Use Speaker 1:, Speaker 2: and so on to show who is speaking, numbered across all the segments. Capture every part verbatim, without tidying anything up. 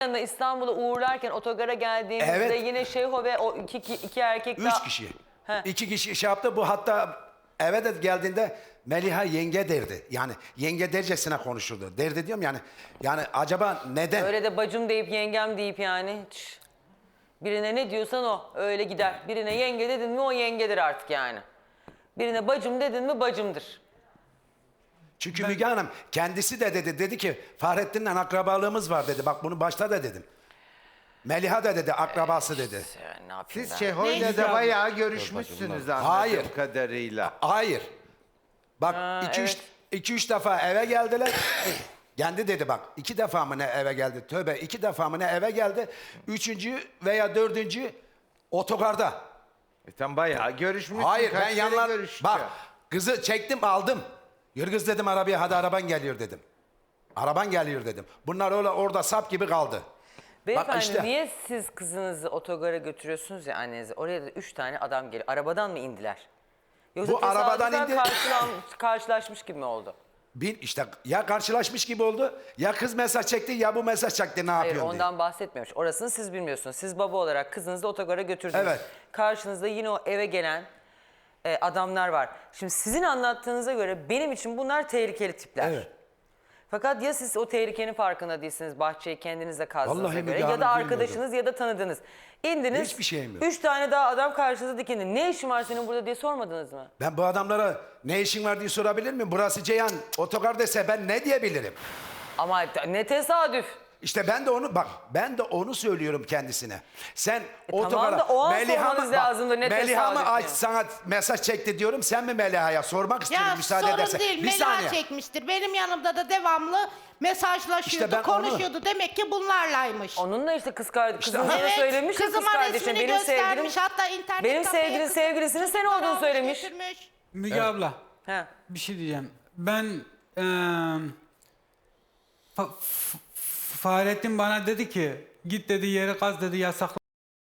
Speaker 1: yanına İstanbul'a uğurlarken otogara geldiğimizde
Speaker 2: Evet.
Speaker 1: yine Şeyho ve o iki, iki, iki erkek
Speaker 2: Üç
Speaker 1: daha...
Speaker 2: kişi.
Speaker 1: He.
Speaker 2: İki kişi şey yaptı. Bu hatta eve de geldiğinde Meliha yenge derdi. Yani yenge dercesine konuşurdu. Derdi diyorum yani. Yani acaba neden?
Speaker 1: Öyle de bacım deyip yengem deyip yani. Hiç. Birine ne diyorsan o öyle gider. Birine yenge dedin mi o yengedir artık yani. Birine bacım dedin mi bacımdır.
Speaker 2: Çünkü Müge Hanım kendisi de dedi. Dedi ki Fahrettin'le akrabalığımız var dedi. Bak bunu başta da dedim. Meliha da dedi akrabası dedi.
Speaker 1: Yani ne yapayım
Speaker 3: Siz
Speaker 1: ben?
Speaker 3: Şeho'yla
Speaker 4: Neyse.
Speaker 3: da bayağı görüşmüşsünüz anladığım
Speaker 2: Hayır.
Speaker 3: kadarıyla.
Speaker 2: Hayır. Bak
Speaker 1: Ha,
Speaker 2: iki, üç,
Speaker 1: evet.
Speaker 2: iki üç defa eve geldiler. Kendi dedi bak iki defa mı ne eve geldi? Tövbe iki defa mı ne eve geldi? Üçüncü veya dördüncü otogarda.
Speaker 3: E tam bayağı görüşmüşsün.
Speaker 2: Hayır
Speaker 3: Kaç
Speaker 2: ben
Speaker 3: kere
Speaker 2: yanlar...
Speaker 3: görüştü?
Speaker 2: Bak kızı çektim aldım. Yürü kız dedim arabaya hadi araban geliyor dedim. Araban geliyor dedim. Bunlar öyle orada sap gibi kaldı.
Speaker 1: Beyefendi
Speaker 2: işte.
Speaker 1: niye siz kızınızı otogara götürüyorsunuz ya annenizi? Oraya da üç tane adam geliyor. Arabadan mı indiler? Yoksa
Speaker 2: Bu arabadan
Speaker 1: tesadüfen
Speaker 2: indi.
Speaker 1: karşılan- karşılaşmış gibi mi oldu?
Speaker 2: Bir işte ya karşılaşmış gibi oldu ya kız mesaj çekti ya bu mesaj çekti ne
Speaker 1: Hayır
Speaker 2: yapıyorsun diye.
Speaker 1: ondan bahsetmiyormuş. Orasını siz bilmiyorsunuz. Siz baba olarak kızınızı otogara götürdünüz.
Speaker 2: Evet.
Speaker 1: Karşınızda yine o eve gelen e, adamlar var. Şimdi sizin anlattığınıza göre benim için bunlar tehlikeli tipler.
Speaker 2: Evet.
Speaker 1: Fakat ya siz o tehlikenin farkında değilsiniz, bahçeyi kendinizle kazdığınıza
Speaker 2: Vallahi
Speaker 1: göre
Speaker 2: Müge
Speaker 1: ya
Speaker 2: Hanım
Speaker 1: da
Speaker 2: bilmiyordum.
Speaker 1: arkadaşınız ya da tanıdınız. İndiniz,
Speaker 2: Hiçbir şeyim yok.
Speaker 1: üç tane daha adam karşınıza dikindi. Ne işin var senin burada diye sormadınız mı?
Speaker 2: Ben bu adamlara ne işin var diye sorabilir miyim? Burası Ceyhan otogar dese ben ne diyebilirim?
Speaker 1: Ama ne tesadüf.
Speaker 2: İşte ben de onu bak ben de onu söylüyorum kendisine. Sen
Speaker 1: tamam
Speaker 2: otogara
Speaker 1: da o an
Speaker 2: Meliha
Speaker 1: sormanız
Speaker 2: mı, bak,
Speaker 1: lazımdı, ne
Speaker 2: Meliha mı
Speaker 1: tesadüf
Speaker 2: aç
Speaker 1: ya.
Speaker 2: sana mesaj çekti diyorum. Sen mi Meliha'ya sormak istiyorum
Speaker 4: Ya
Speaker 2: müsaade
Speaker 4: sorun
Speaker 2: edersen.
Speaker 4: değil.
Speaker 2: Bir
Speaker 4: Mela
Speaker 2: saniye.
Speaker 4: çekmiştir. Benim yanımda da devamlı mesajlaşıyordu,
Speaker 2: İşte ben onu-
Speaker 4: konuşuyordu. Demek ki bunlarlaymış.
Speaker 1: Onunla işte kız kardeş, kızın
Speaker 2: ha-
Speaker 1: sana
Speaker 4: Evet,
Speaker 1: söylemiş ya kız
Speaker 4: kızıma
Speaker 1: kardeşim.
Speaker 4: resmini
Speaker 1: Benim sevgilim,
Speaker 4: göstermiş. Hatta internet
Speaker 1: benim
Speaker 4: kafeye
Speaker 1: sevgilin
Speaker 4: kızı-
Speaker 1: sevgilisinin sen
Speaker 4: çocuklar
Speaker 1: olduğunu
Speaker 4: almış,
Speaker 1: söylemiş.
Speaker 4: götürmüş.
Speaker 5: Müge abla
Speaker 1: He.
Speaker 5: bir şey diyeceğim. Ben eee Fa- F- Fahrettin bana dedi ki git dedi yeri kaz dedi yasakla.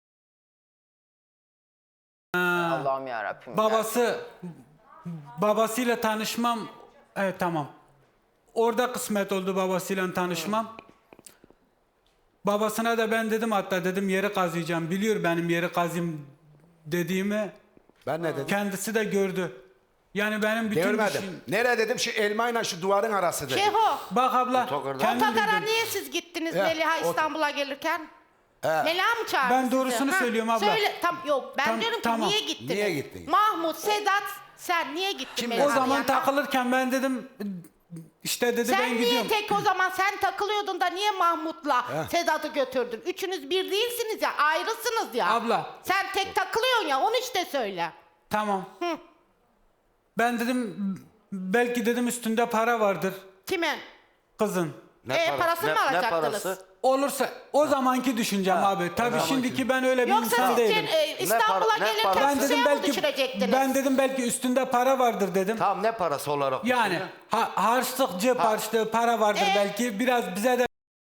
Speaker 1: Allah'ım yarabbim.
Speaker 5: Babası babasıyla tanışmam evet tamam. Orada kısmet oldu babasıyla tanışmam. Babasına da ben dedim hatta dedim yeri kazıyacağım. Biliyor benim yeri kazayım dediğimi.
Speaker 2: Ben ne dedim?
Speaker 5: Kendisi de gördü. Yani benim bütün
Speaker 2: Görmedim.
Speaker 5: işim-
Speaker 2: Nereye dedim şu elmayla şu duvarın arası dedim.
Speaker 4: Şeho,
Speaker 5: Bak abla kendim
Speaker 4: otogara
Speaker 5: bildim.
Speaker 4: niye siz gittiniz
Speaker 2: Ya,
Speaker 4: Meliha
Speaker 2: ot-
Speaker 4: İstanbul'a gelirken? Meliha mı çağırdı
Speaker 5: Ben
Speaker 4: sizi?
Speaker 5: doğrusunu söylüyorum abla.
Speaker 4: Söyle, tam, yok ben
Speaker 5: Tam-
Speaker 4: diyorum ki
Speaker 5: tamam.
Speaker 4: niye gittiniz?
Speaker 2: Niye gittiniz?
Speaker 4: Mahmut, Sedat, sen niye gittin
Speaker 2: Kim
Speaker 4: Meliha'nın
Speaker 5: O zaman
Speaker 4: yanına?
Speaker 5: takılırken ben dedim işte dedi
Speaker 4: Sen
Speaker 5: ben
Speaker 4: niye
Speaker 5: gidiyorum.
Speaker 4: tek o zaman sen takılıyordun da niye Mahmut'la Sedat'ı götürdün? Üçünüz bir değilsiniz ya, ayrısınız ya.
Speaker 5: Abla.
Speaker 4: Sen tek takılıyorsun ya, onu işte söyle.
Speaker 5: Tamam. Ben dedim belki dedim üstünde para vardır
Speaker 4: Kimin?
Speaker 5: kızın.
Speaker 4: e, parasını mı alacaktınız?
Speaker 5: Olursa o zamanki düşüncem abi. Tabii şimdiki ben öyle bir
Speaker 4: Yoksa
Speaker 5: insan
Speaker 4: siz
Speaker 5: değilim.
Speaker 4: e, İstanbul'a
Speaker 6: para- ne
Speaker 4: gelirken
Speaker 6: para-
Speaker 5: Ben
Speaker 4: şişeye
Speaker 5: dedim
Speaker 4: mi
Speaker 5: belki
Speaker 4: düşürecektiniz?
Speaker 5: ben dedim belki üstünde para vardır dedim.
Speaker 6: Tamam ne parası olarak?
Speaker 5: Yani
Speaker 6: düşünüyor?
Speaker 5: ha, harçlık cep harçlığı para vardır
Speaker 4: E?
Speaker 5: belki. Biraz bize de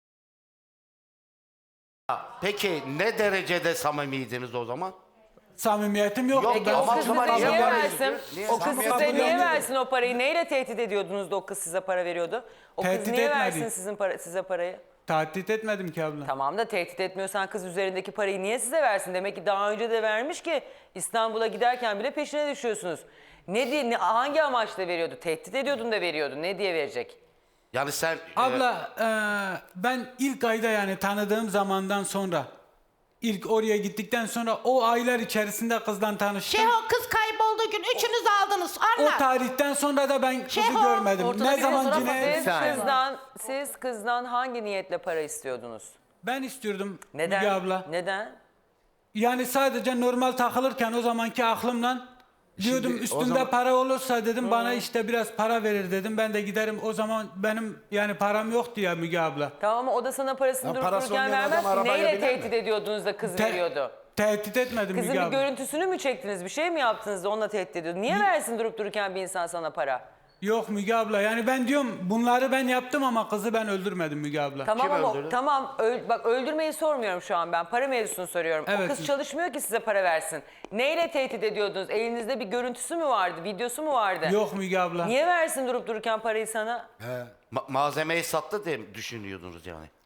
Speaker 6: Peki ne derecede samimiydiniz o zaman?
Speaker 5: samimiyetim yok.
Speaker 6: Yok,
Speaker 1: Peki
Speaker 5: Ben-
Speaker 1: o
Speaker 6: ama
Speaker 1: kız
Speaker 6: o zaman
Speaker 1: size niye
Speaker 6: niye
Speaker 1: versin?
Speaker 6: versin? Niye?
Speaker 1: O kız
Speaker 6: Samimiyet
Speaker 1: size niye
Speaker 5: yok.
Speaker 1: versin o parayı? Neyle tehdit ediyordunuz da o kız size para veriyordu? O kız
Speaker 5: Tehdit
Speaker 1: niye
Speaker 5: etmedi.
Speaker 1: versin sizin para, size parayı?
Speaker 5: Tahdit etmedim ki abla.
Speaker 1: Tamam da tehdit etmiyorsan kız üzerindeki parayı niye size versin? Demek ki daha önce de vermiş ki İstanbul'a giderken bile peşine düşüyorsunuz. Ne diye, ne, hangi amaçla veriyordu? Tehdit ediyordun da veriyordu. Ne diye verecek?
Speaker 6: Yani sen...
Speaker 5: Abla eee, ben ilk ayda yani tanıdığım zamandan sonra ilk oraya gittikten sonra o aylar içerisinde kızla tanıştım.
Speaker 4: Şey o kız kaybolduğu gün üçünüz aldınız.
Speaker 5: O
Speaker 4: Anla.
Speaker 5: tarihten sonra da ben kızı
Speaker 4: Şeho,
Speaker 5: görmedim.
Speaker 1: Ortada
Speaker 5: Ne
Speaker 1: bir
Speaker 5: zaman
Speaker 1: fotoğraf-
Speaker 5: cinayet...
Speaker 1: siz kızdan, siz kızdan hangi niyetle para istiyordunuz?
Speaker 5: Ben istiyordum
Speaker 1: Neden?
Speaker 5: Müge abla.
Speaker 1: Neden?
Speaker 5: Yani sadece normal takılırken o zamanki aklımla diyordum
Speaker 2: Şimdi o
Speaker 5: üstünde
Speaker 2: zaman-
Speaker 5: para olursa dedim bana işte biraz para verir dedim. Ben de giderim o zaman benim yani param yoktu ya Müge abla.
Speaker 1: Tamam ama o da sana parasını
Speaker 2: Ya
Speaker 1: durup
Speaker 2: parası
Speaker 1: dururken
Speaker 2: olmayan
Speaker 1: vermez
Speaker 2: adam
Speaker 1: ki.
Speaker 2: arabaya
Speaker 1: Neyle
Speaker 2: biner mi?
Speaker 1: tehdit ediyordunuz da kız
Speaker 5: Te-
Speaker 1: veriyordu?
Speaker 5: Tehdit etmedim
Speaker 1: Kızın
Speaker 5: Müge
Speaker 1: bir
Speaker 5: abla.
Speaker 1: görüntüsünü mü çektiniz? Bir şey mi yaptınız da onunla tehdit ediyordu? Niye versin durup dururken bir insan sana para?
Speaker 5: Yok Müge abla yani ben diyorum bunları ben yaptım ama kızı ben öldürmedim Müge abla.
Speaker 1: Tamam
Speaker 6: Kim
Speaker 1: ama
Speaker 6: öldürdü?
Speaker 1: tamam öl- bak öldürmeyi sormuyorum şu an ben. Para mevzusunu soruyorum. O
Speaker 5: Evet.
Speaker 1: kız çalışmıyor ki size para versin. Neyle tehdit ediyordunuz? Elinizde bir görüntüsü mü vardı? Videosu mu vardı?
Speaker 5: Yok Müge abla.
Speaker 1: Niye versin durup dururken parayı sana?
Speaker 6: Ma- malzemeyi sattı diye mi düşünüyordunuz yani?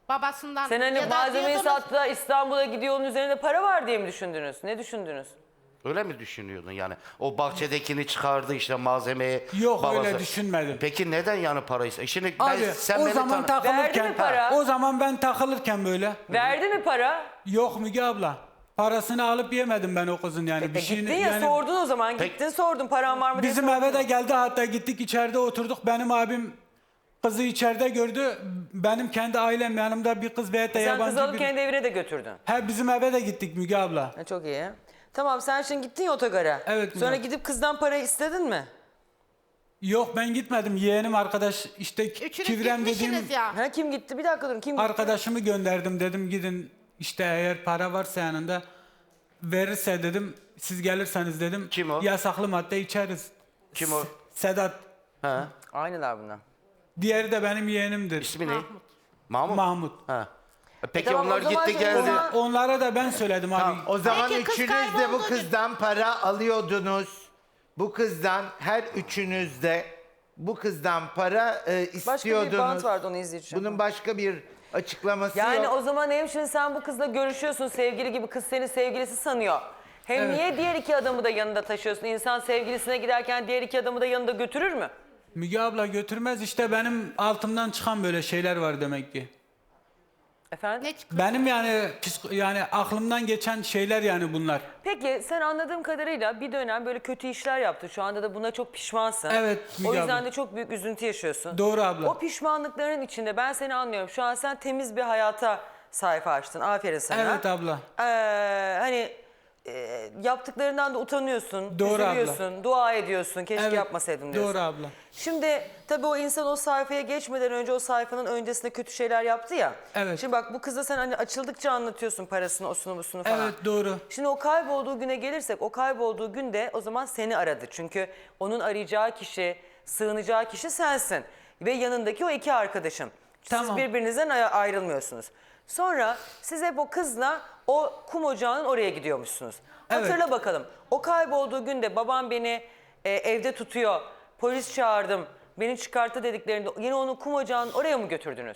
Speaker 4: Babasından.
Speaker 1: Sen hani
Speaker 4: ya da
Speaker 1: malzemeyi
Speaker 4: diyordunuz,
Speaker 1: sattı da İstanbul'a gidiyor, onun üzerinde para var diye mi düşündünüz? Ne düşündünüz?
Speaker 6: Öyle mi düşünüyordun yani? O bahçedekini çıkardı işte malzemeyi.
Speaker 5: Yok,
Speaker 6: babası.
Speaker 5: öyle düşünmedim.
Speaker 6: Peki neden yani parayı? E Şimdi ben,
Speaker 5: Abi
Speaker 6: sen
Speaker 5: o
Speaker 6: beni
Speaker 5: zaman
Speaker 6: tanı-
Speaker 1: Verdi
Speaker 5: takılırken
Speaker 1: mi para?
Speaker 5: o zaman ben takılırken böyle
Speaker 1: Verdi mi para?
Speaker 5: yok Müge abla. Parasını alıp yemedim ben o kızın yani.
Speaker 1: E,
Speaker 5: bir şeyini
Speaker 1: gittin ya
Speaker 5: yani
Speaker 1: sordun o zaman.
Speaker 6: Peki-
Speaker 1: Gittin sordun paran var mı diye
Speaker 5: bizim
Speaker 1: sordun.
Speaker 5: eve de geldi, hatta gittik içeride oturduk. Benim abim kızı içeride gördü. Benim kendi ailem yanımda bir kız veyahut da
Speaker 1: Sen
Speaker 5: yabancı
Speaker 1: kızı alıp
Speaker 5: bir...
Speaker 1: kendi evine de götürdün.
Speaker 5: He, bizim eve de gittik Müge abla.
Speaker 1: Ha, çok iyi. Tamam, sen şimdi gittin ya otogara.
Speaker 5: Evet,
Speaker 1: Sonra
Speaker 5: Müge.
Speaker 1: gidip kızdan para istedin mi?
Speaker 5: Yok, ben gitmedim. Yeğenim arkadaş işte
Speaker 4: Üçünüz
Speaker 5: Kivrem
Speaker 4: gitmişsiniz
Speaker 5: dediğim
Speaker 4: ya.
Speaker 1: Ha, kim gitti? Bir dakika durun. Kim gitti?
Speaker 5: arkadaşımı gönderdim, dedim gidin işte eğer para varsa yanında verirse dedim, siz gelirseniz dedim.
Speaker 6: Kim o?
Speaker 5: Yasaklı madde içeriz.
Speaker 6: Kim o?
Speaker 5: Sedat.
Speaker 6: Ha?
Speaker 1: Aynılar bunlar.
Speaker 5: Diğeri de benim yeğenimdir.
Speaker 6: İsmi ne? Mahmut.
Speaker 5: Mahmut.
Speaker 6: Ha. E Peki
Speaker 1: tamam, o
Speaker 6: onlar
Speaker 1: zaman
Speaker 6: gitti
Speaker 1: şimdi
Speaker 6: geldi.
Speaker 1: ona-
Speaker 5: Onlara da ben söyledim abi.
Speaker 3: Tamam, o zaman
Speaker 4: Peki, kız
Speaker 3: üçünüz de bu
Speaker 4: kayboldu.
Speaker 3: kızdan para alıyordunuz. Bu kızdan her üçünüz de bu kızdan para e, istiyordunuz.
Speaker 1: Başka bir bant vardı, onu izleyeceğim.
Speaker 3: Bunun başka bir açıklaması
Speaker 1: Yani
Speaker 3: yok.
Speaker 1: o zaman hem şimdi sen bu kızla görüşüyorsun, sevgili gibi, kız seni sevgilisi sanıyor. Hem
Speaker 5: Evet.
Speaker 1: niye diğer iki adamı da yanında taşıyorsun? İnsan sevgilisine giderken diğer iki adamı da yanında götürür mü?
Speaker 5: Müge abla götürmez, işte benim altımdan çıkan böyle şeyler var demek ki.
Speaker 1: Efendim?
Speaker 4: Ne çıkıyor?
Speaker 5: Benim yani psiko- yani aklımdan geçen şeyler yani bunlar.
Speaker 1: Peki sen anladığım kadarıyla bir dönem böyle kötü işler yaptın. Şu anda da buna çok pişmansın.
Speaker 5: Evet, Müge
Speaker 1: O yüzden
Speaker 5: abla.
Speaker 1: de çok büyük üzüntü yaşıyorsun.
Speaker 5: Doğru abla.
Speaker 1: O pişmanlıkların içinde ben seni anlıyorum. Şu an sen temiz bir hayata sayfa açtın. Aferin sana.
Speaker 5: Evet abla.
Speaker 1: Ee, hani e, yaptıklarından da utanıyorsun,
Speaker 5: Doğru abla.
Speaker 1: üzülüyorsun, dua ediyorsun. Keşke
Speaker 5: Evet,
Speaker 1: yapmasaydım diyorsun.
Speaker 5: doğru abla.
Speaker 1: Şimdi tabii o insan o sayfaya geçmeden önce o sayfanın öncesinde kötü şeyler yaptı ya.
Speaker 5: Evet.
Speaker 1: Şimdi bak, bu kıza sen hani açıldıkça anlatıyorsun parasını, osunu, busunu falan.
Speaker 5: Evet, doğru.
Speaker 1: Şimdi o kaybolduğu güne gelirsek, o kaybolduğu günde o zaman seni aradı. Çünkü onun arayacağı kişi, sığınacağı kişi sensin. Ve yanındaki o iki arkadaşın. Siz
Speaker 5: Tamam.
Speaker 1: birbirinizden ay- ayrılmıyorsunuz. Sonra siz hep o kızla o kum ocağının oraya gidiyormuşsunuz.
Speaker 5: Evet.
Speaker 1: Hatırla bakalım. O kaybolduğu günde babam beni e, evde tutuyor, polis çağırdım, beni çıkarttı dediklerinde yine onu kum ocağının oraya mı götürdünüz?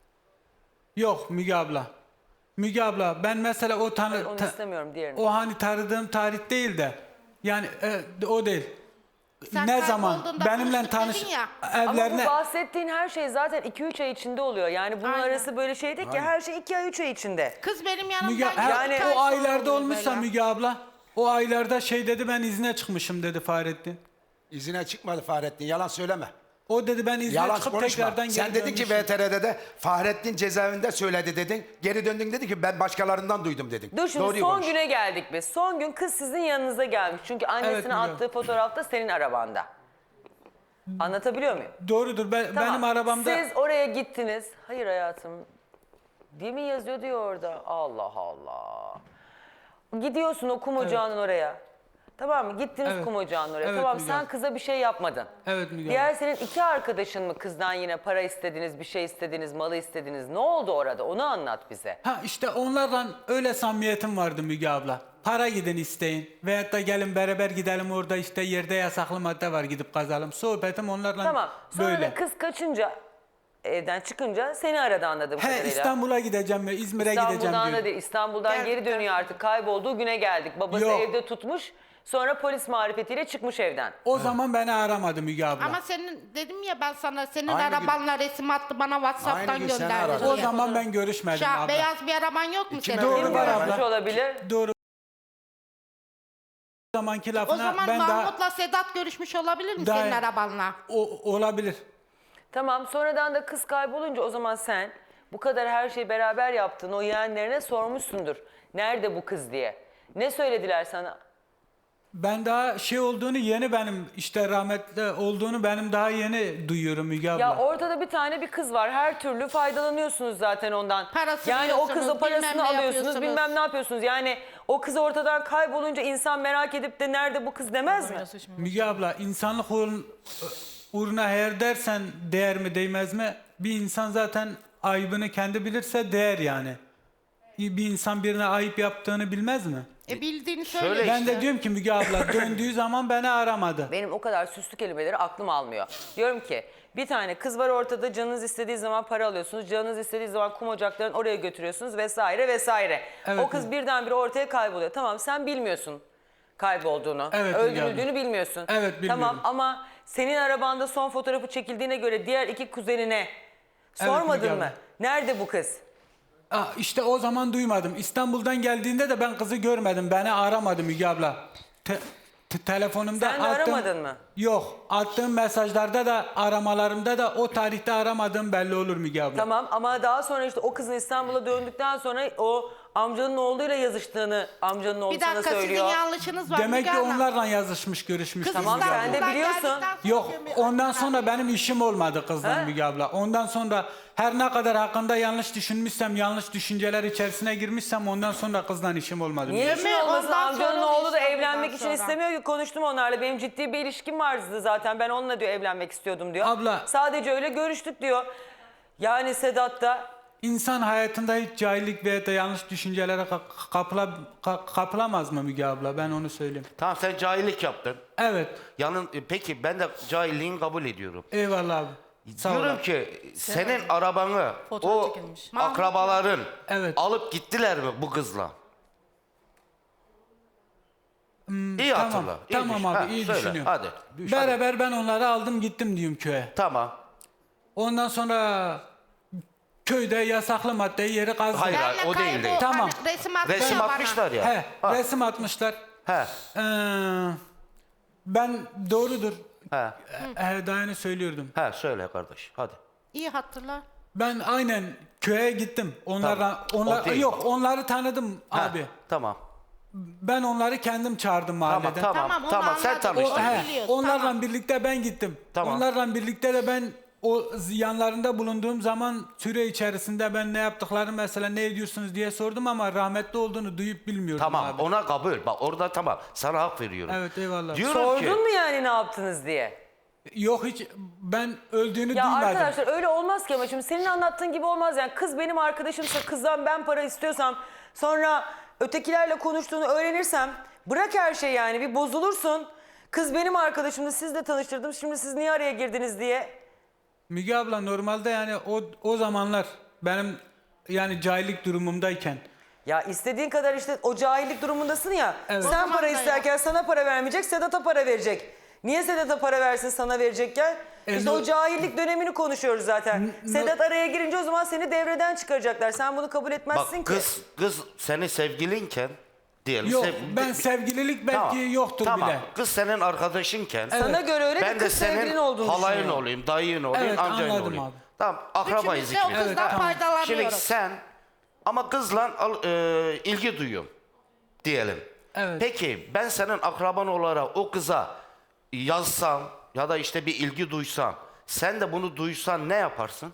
Speaker 5: Yok Müge abla. Müge abla ben mesela o tanı
Speaker 1: Onu
Speaker 5: ta-
Speaker 1: istemiyorum, diğerini.
Speaker 5: o hani tanıdığım tarih değil de yani e, o değil.
Speaker 4: Sen
Speaker 5: ne zaman
Speaker 4: kaybolduğunda
Speaker 5: benimle
Speaker 4: konuştuk
Speaker 5: tanış
Speaker 4: dedin ya.
Speaker 1: Ama
Speaker 5: evlerine
Speaker 1: bu bahsettiğin her şey zaten iki üç ay içinde oluyor. Yani bunun
Speaker 4: Aynen.
Speaker 1: arası böyle şey değil ki, her şey iki ay üç ay içinde.
Speaker 4: Kız benim yanımdan
Speaker 5: Müge,
Speaker 4: gitti,
Speaker 5: ha,
Speaker 4: iki ay
Speaker 5: o
Speaker 4: sonra
Speaker 5: aylarda
Speaker 4: oluyor
Speaker 5: olmuşsa
Speaker 4: böyle.
Speaker 5: Müge abla, o aylarda şey dedi, ben izne çıkmışım dedi Fahrettin.
Speaker 2: İzine çıkmadı Fahrettin, yalan söyleme.
Speaker 5: O dedi ben izne
Speaker 2: Yalan
Speaker 5: çıkıp
Speaker 2: konuşma.
Speaker 5: tekrardan
Speaker 2: Sen
Speaker 5: geri
Speaker 2: dedin ki
Speaker 5: dönmüşüm.
Speaker 2: V T R'de de Fahrettin cezaevinde söyledi dedin. Geri döndün dedi ki ben başkalarından duydum dedin.
Speaker 1: Dur şimdi
Speaker 2: Doğruyu
Speaker 1: son
Speaker 2: konuş.
Speaker 1: güne geldik biz. Son gün kız sizin yanınıza gelmiş. Çünkü annesine
Speaker 5: biliyorum.
Speaker 1: attığı fotoğrafta senin arabanda. Anlatabiliyor muyum?
Speaker 5: Doğrudur, ben,
Speaker 1: Tamam.
Speaker 5: benim arabamda
Speaker 1: Siz oraya gittiniz. Hayır hayatım. Değil mi yazıyor diyor orada. Allah Allah. Gidiyorsun o kum ocağının oraya. Tamam mı? Gittiniz
Speaker 5: Evet.
Speaker 1: kum ocağının oraya.
Speaker 5: Evet,
Speaker 1: tamam,
Speaker 5: Müge
Speaker 1: sen
Speaker 5: Hanım.
Speaker 1: kıza bir şey yapmadın.
Speaker 5: Evet Müge
Speaker 1: Diğer
Speaker 5: Hanım.
Speaker 1: senin iki arkadaşın mı kızdan yine para istediniz, bir şey istediniz, malı istediniz? Ne oldu orada? Onu anlat bize.
Speaker 5: Ha işte onlarla öyle samimiyetim vardı Müge abla. Para gidin isteyin veyahut da gelin beraber gidelim, orada işte yerde yasaklı madde var, gidip kazalım. Sohbetim onlarla
Speaker 1: Tamam. Sonra
Speaker 5: böyle.
Speaker 1: da kız kaçınca, evden çıkınca seni aradı anladığım
Speaker 5: He
Speaker 1: kadarıyla.
Speaker 5: İstanbul'a gideceğim ve İzmir'e gideceğim
Speaker 1: İstanbul'dan
Speaker 5: diyor.
Speaker 1: da değil, İstanbul'dan geri dönüyor artık. Kaybolduğu güne geldik. Babası
Speaker 5: Yok.
Speaker 1: evde tutmuş. Sonra polis marifetiyle çıkmış evden.
Speaker 5: O zaman beni aramadı Müge abla.
Speaker 4: Ama senin dedim ya ben sana, senin
Speaker 2: Aynı gün-
Speaker 4: arabanla resim attı bana WhatsApp'tan
Speaker 2: Aynı gün seni
Speaker 4: gönderdi.
Speaker 2: aradı.
Speaker 5: o
Speaker 4: diye.
Speaker 5: zaman ben görüşmedim
Speaker 4: Şa-
Speaker 5: abla.
Speaker 4: beyaz bir araban yok mu senin?
Speaker 5: Doğru
Speaker 1: Kim
Speaker 5: var
Speaker 1: görmüş
Speaker 5: abla.
Speaker 1: olabilir?
Speaker 5: Doğru. O zamanki
Speaker 4: O
Speaker 5: lafına
Speaker 4: zaman
Speaker 5: ben daha
Speaker 4: Mahmut'la Sedat görüşmüş olabilir mi
Speaker 5: Daha-
Speaker 4: senin arabanla?
Speaker 5: o, olabilir.
Speaker 1: Tamam, sonradan da kız kaybolunca o zaman sen bu kadar her şeyi beraber yaptın. O yeğenlerine sormuşsundur. Nerede bu kız diye. Ne söylediler sana?
Speaker 5: Ben daha şey olduğunu yeni, benim işte rahmetli olduğunu benim daha yeni duyuyorum Müge abla.
Speaker 1: Ya ortada bir tane bir kız var. Her türlü faydalanıyorsunuz zaten ondan.
Speaker 4: Parasını
Speaker 1: yani o kızın
Speaker 4: yiyorsunuz,
Speaker 1: parasını
Speaker 4: bilmem ne
Speaker 1: alıyorsunuz,
Speaker 4: yapıyorsunuz.
Speaker 1: bilmem ne yapıyorsunuz. Yani o kız ortadan kaybolunca insan merak edip de nerede bu kız demez mi?
Speaker 5: Müge abla, insanlık uğrun, uğruna her dersen değer mi değmez mi? Bir insan zaten ayıbını kendi bilirse değer yani. Bir insan birine ayıp yaptığını bilmez mi?
Speaker 4: E bildiğini söyle
Speaker 6: Şöyle
Speaker 5: Ben
Speaker 4: işte.
Speaker 5: de diyorum ki Müge abla, döndüğü zaman beni aramadı.
Speaker 1: Benim o kadar süslü kelimeleri aklım almıyor. Diyorum ki Bir tane kız var ortada, canınız istediği zaman para alıyorsunuz. Canınız istediği zaman kum ocaklarını oraya götürüyorsunuz vesaire vesaire.
Speaker 5: Evet,
Speaker 1: o kız
Speaker 5: evet.
Speaker 1: birdenbire ortaya kayboluyor. Tamam, sen bilmiyorsun kaybolduğunu.
Speaker 5: Evet,
Speaker 1: öldürüldüğünü
Speaker 5: yani.
Speaker 1: bilmiyorsun.
Speaker 5: Evet, bilmiyorum.
Speaker 1: Tamam, ama senin arabanda son fotoğrafı çekildiğine göre diğer iki kuzenine sormadın
Speaker 5: Müge
Speaker 1: mı?
Speaker 5: abla.
Speaker 1: Nerede bu kız?
Speaker 5: Aa, işte o zaman duymadım. İstanbul'dan geldiğinde de ben kızı görmedim. Beni aramadı Müge abla. Te- te- telefonumda
Speaker 1: Sen de
Speaker 5: attığım-
Speaker 1: aramadın mı?
Speaker 5: Yok. Attığım mesajlarda da aramalarımda da o tarihte aramadığım belli olur Müge abla.
Speaker 1: Tamam, ama daha sonra işte o kızın İstanbul'a döndükten sonra o amcanın oğluyla yazıştığını amcanın oğlu
Speaker 4: Bir
Speaker 1: sana
Speaker 4: dakika, sizin
Speaker 1: söylüyor.
Speaker 4: yanlışınız var.
Speaker 5: Demek
Speaker 4: Müge
Speaker 5: ki
Speaker 4: Hanım.
Speaker 5: onlarla yazışmış, görüşmüş.
Speaker 4: Kız
Speaker 1: Tamam,
Speaker 5: Müge abla.
Speaker 1: sen de
Speaker 4: İstanbul'dan
Speaker 1: biliyorsun.
Speaker 4: geldikten sonra
Speaker 5: Yok,
Speaker 4: diyor,
Speaker 5: ondan
Speaker 4: Müge
Speaker 5: sonra
Speaker 4: Hanım.
Speaker 5: benim işim olmadı kızla
Speaker 1: He?
Speaker 5: Müge abla. Ondan sonra her ne kadar hakkında yanlış düşünmüşsem, yanlış düşünceler içerisine girmişsem ondan sonra kızla işim olmadı.
Speaker 1: Niye
Speaker 4: Değil
Speaker 1: işin
Speaker 4: mi?
Speaker 1: olmasın?
Speaker 4: Ondan
Speaker 1: Amcanın
Speaker 4: sonra
Speaker 1: oğlu da
Speaker 4: İstanbul'dan
Speaker 1: evlenmek için
Speaker 4: sonra.
Speaker 1: istemiyor ki, konuştum onlarla. Benim ciddi bir ilişkim vardı zaten. Ben onunla diyor evlenmek istiyordum diyor.
Speaker 5: Abla-
Speaker 1: Sadece öyle görüştük diyor. Yani Sedat da
Speaker 5: İnsan hayatında hiç cahillik veya da yanlış düşüncelere ka- kapıla, ka- kapılamaz mı Müge abla? Ben onu söyleyeyim.
Speaker 6: Tamam, sen cahillik yaptın.
Speaker 5: Evet.
Speaker 6: Yanın, e, peki ben de cahilliğini kabul ediyorum.
Speaker 5: Eyvallah abi. Sağ ol
Speaker 6: Diyorum
Speaker 5: abi.
Speaker 6: ki senin arabanı
Speaker 4: Fotoğraf
Speaker 6: o
Speaker 4: çekilmiş.
Speaker 6: akrabaların
Speaker 5: Evet.
Speaker 6: alıp gittiler mi bu kızla? iyi
Speaker 5: Tamam,
Speaker 6: hatırla. iyi
Speaker 5: tamam
Speaker 6: düşün.
Speaker 5: abi,
Speaker 6: Ha,
Speaker 5: iyi
Speaker 6: söyle,
Speaker 5: düşünüyorum.
Speaker 6: Hadi. Düş, hadi.
Speaker 5: Beraber ben onları aldım gittim diyorum köye.
Speaker 6: Tamam.
Speaker 5: Ondan sonra köyde yasaklı maddeyi yeri kazdım.
Speaker 6: Hayır, hayır,
Speaker 4: Benle
Speaker 6: o değil
Speaker 4: kaybol-
Speaker 6: değil.
Speaker 5: Tamam.
Speaker 4: Hani resim atıyor
Speaker 6: Resim
Speaker 4: bana.
Speaker 6: atmışlar ya.
Speaker 5: He,
Speaker 6: Ha,
Speaker 5: resim atmışlar.
Speaker 6: he,
Speaker 5: Ee, ben doğrudur.
Speaker 6: he,
Speaker 5: He, daha yeni söylüyordum.
Speaker 6: he, söyle kardeş. Hadi.
Speaker 4: İyi hatırla.
Speaker 5: Ben aynen köye gittim. Onlarla
Speaker 6: Tamam,
Speaker 5: onlar
Speaker 6: o değil.
Speaker 5: yok, onları tanıdım
Speaker 6: Ha,
Speaker 5: abi.
Speaker 6: Tamam.
Speaker 5: Ben onları kendim çağırdım
Speaker 6: Tamam,
Speaker 5: mahalleden.
Speaker 6: tamam,
Speaker 4: Tamam,
Speaker 6: tamam.
Speaker 4: onu
Speaker 6: Sen
Speaker 4: anladım.
Speaker 5: O,
Speaker 6: tanıştın.
Speaker 5: he,
Speaker 4: Biliyoruz,
Speaker 5: onlarla
Speaker 4: tamam.
Speaker 5: birlikte ben gittim.
Speaker 6: Tamam.
Speaker 5: Onlarla birlikte de ben o yanlarında bulunduğum zaman süre içerisinde ben ne yaptıklarını mesela ne ediyorsunuz diye sordum ama rahmetli olduğunu duyup bilmiyordum
Speaker 6: Tamam,
Speaker 5: abi.
Speaker 6: ona kabul. Bak orada tamam. Sana hak veriyorum.
Speaker 5: Evet, eyvallah.
Speaker 6: Diyorum
Speaker 1: sordun
Speaker 6: ki,
Speaker 1: mu yani ne yaptınız diye?
Speaker 5: Yok hiç ben öldüğünü
Speaker 1: Ya
Speaker 5: duymadım.
Speaker 1: arkadaşlar öyle olmaz ki, ama şimdi senin anlattığın gibi olmaz yani. Kız benim arkadaşımsa, kızdan ben para istiyorsam, sonra ötekilerle konuştuğunu öğrenirsem bırak her şeyi, yani bir bozulursun. Kız benim arkadaşımdı, sizle tanıştırdım, şimdi siz niye araya girdiniz diye.
Speaker 5: Müge abla normalde yani o o zamanlar benim yani cahillik durumumdayken
Speaker 1: Ya istediğin kadar işte o cahillik durumundasın ya.
Speaker 5: Evet.
Speaker 1: Sen
Speaker 4: O zaman
Speaker 1: para
Speaker 4: da ya.
Speaker 1: isterken sana para vermeyecek, Sedat'a para verecek. Niye Sedat'a para versin sana verecekken?
Speaker 5: E,
Speaker 1: İşte
Speaker 5: no-
Speaker 1: o cahillik dönemini konuşuyoruz zaten.
Speaker 5: no-
Speaker 1: Sedat araya girince o zaman seni devreden çıkaracaklar. Sen bunu kabul
Speaker 6: bak
Speaker 1: etmezsin ki.
Speaker 6: kız kız senin sevgilinken diyelim.
Speaker 5: yok
Speaker 6: sev-
Speaker 5: ben sevgililik belki
Speaker 6: Tamam,
Speaker 5: yoktur
Speaker 6: tamam.
Speaker 5: bile.
Speaker 6: Kız senin arkadaşınken.
Speaker 1: Sana göre öyle de
Speaker 6: Ben de
Speaker 1: kız sevgilin
Speaker 6: senin
Speaker 1: olduğunu
Speaker 6: halayın
Speaker 1: düşünüyor.
Speaker 6: olayım, dayın olayım,
Speaker 5: Evet,
Speaker 6: amcayın
Speaker 5: anladım
Speaker 6: olayım.
Speaker 5: abi.
Speaker 6: Tamam, akrabayız
Speaker 4: Üçümüz de o
Speaker 6: ikimiz.
Speaker 4: kızdan
Speaker 5: Evet, tamam.
Speaker 4: faydalanıyoruz.
Speaker 6: Şimdi sen ama kızla al- e, ilgi duyuyorum diyelim.
Speaker 5: Evet.
Speaker 6: Peki ben senin akraban olarak o kıza yazsam ya da işte bir ilgi duysam, sen de bunu duysan ne yaparsın?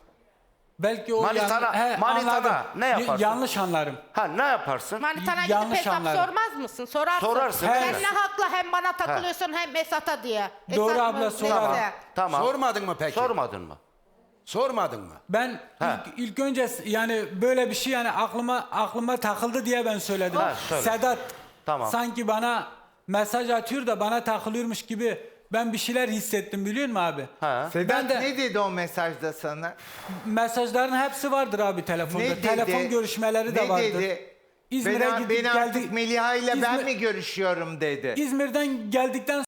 Speaker 5: Belki o
Speaker 6: Manitana-
Speaker 5: yan- he,
Speaker 6: manitana
Speaker 5: anladım.
Speaker 6: ne
Speaker 5: Y-
Speaker 6: yaparsın?
Speaker 5: Yanlış anlarım.
Speaker 6: Ha, ne yaparsın?
Speaker 4: Manitana gidip
Speaker 5: Yanlış
Speaker 4: hesap
Speaker 5: anladım.
Speaker 4: sormaz mısın? Sorarsın.
Speaker 6: Sorarsın,
Speaker 4: Sen
Speaker 5: evet.
Speaker 4: ne hakla hem bana takılıyorsun hem Esat'a diye.
Speaker 5: Doğru
Speaker 4: Esat
Speaker 5: abla,
Speaker 4: mı?
Speaker 5: sorarım.
Speaker 4: Neyse.
Speaker 6: Tamam.
Speaker 2: Sormadın mı peki?
Speaker 6: Sormadın mı?
Speaker 2: Sormadın mı?
Speaker 5: Ben
Speaker 6: Ha.
Speaker 5: ilk, ilk önce s- yani böyle bir şey yani aklıma aklıma takıldı diye ben söyledim.
Speaker 6: Ha, söyle.
Speaker 5: Sedat
Speaker 6: Tamam.
Speaker 5: sanki bana mesaj atıyor da bana takılıyormuş gibi ben bir şeyler hissettim biliyor musun abi?
Speaker 6: Ha.
Speaker 3: Sedat
Speaker 5: Ben de-
Speaker 3: ne dedi o mesajda sana?
Speaker 5: Mesajların hepsi vardır abi telefonda.
Speaker 3: Ne dedi?
Speaker 5: Telefon görüşmeleri de
Speaker 3: ne
Speaker 5: vardır.
Speaker 3: dedi?
Speaker 5: İzmir'e
Speaker 3: ben,
Speaker 5: gidip
Speaker 3: ben artık
Speaker 5: geldik.
Speaker 3: Meliha ile ben
Speaker 5: İzmir-
Speaker 3: mi görüşüyorum dedi.
Speaker 5: İzmir'den geldikten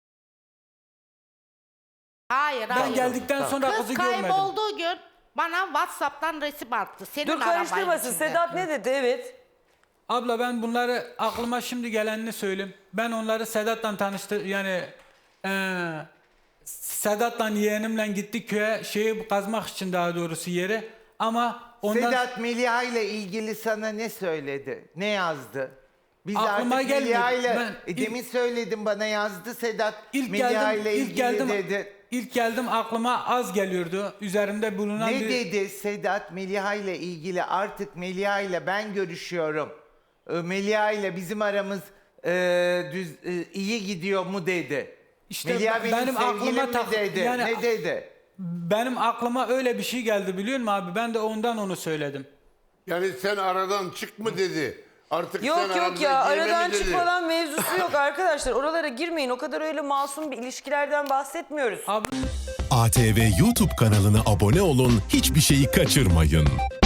Speaker 4: Hayır
Speaker 5: ben
Speaker 4: hayır.
Speaker 5: geldikten sonra
Speaker 4: Kız
Speaker 5: kızı görmedim.
Speaker 4: kaybolduğu gün bana WhatsApp'tan resim attı. Senin
Speaker 1: Dur
Speaker 4: arabayın
Speaker 1: karıştırmasın.
Speaker 4: içinde.
Speaker 1: Sedat ne dedi? Evet.
Speaker 5: Abla ben bunları aklıma şimdi gelenini söyleyeyim. Ben onları Sedat'la tanıştı yani eee Sedat'la yeğenimle gittik köye şeyi kazmak için daha doğrusu yeri ama ondan
Speaker 3: Sedat Meliha ile ilgili sana ne söyledi? Ne yazdı? Biz
Speaker 5: Aklıma
Speaker 3: artık
Speaker 5: gelmedi.
Speaker 3: Meliha ile
Speaker 5: Ben
Speaker 3: e,
Speaker 5: ilk-
Speaker 3: demin söyledim bana yazdı Sedat
Speaker 5: ilk
Speaker 3: Meliha
Speaker 5: geldim
Speaker 3: ile
Speaker 5: ilk
Speaker 3: ilgili
Speaker 5: geldim
Speaker 3: dedi.
Speaker 5: ilk geldim aklıma az geliyordu. Üzerimde bulunan
Speaker 3: Ne
Speaker 5: bir
Speaker 3: dedi Sedat Meliha ile ilgili artık Meliha ile ben görüşüyorum. Ee, Meliha ile bizim aramız e, düz e, iyi gidiyor mu dedi.
Speaker 5: İşte
Speaker 3: Meliha
Speaker 5: be-
Speaker 3: benim,
Speaker 5: benim
Speaker 3: sevgilim
Speaker 5: aklıma
Speaker 3: mi
Speaker 5: tak-
Speaker 3: dedi.
Speaker 5: yani-
Speaker 3: ne dedi?
Speaker 5: benim aklıma öyle bir şey geldi biliyor musun abi? Ben de ondan onu söyledim.
Speaker 7: Yani sen aradan çık mı dedi. Artık sen
Speaker 1: Yok yok
Speaker 7: aramıza
Speaker 1: ya,
Speaker 7: girme mi
Speaker 1: aradan çık
Speaker 7: dedi.
Speaker 1: falan mevzusu yok arkadaşlar. Oralara girmeyin. O kadar öyle masum bir ilişkilerden bahsetmiyoruz.
Speaker 5: Abi
Speaker 8: A T V YouTube kanalına abone olun, hiçbir şeyi kaçırmayın.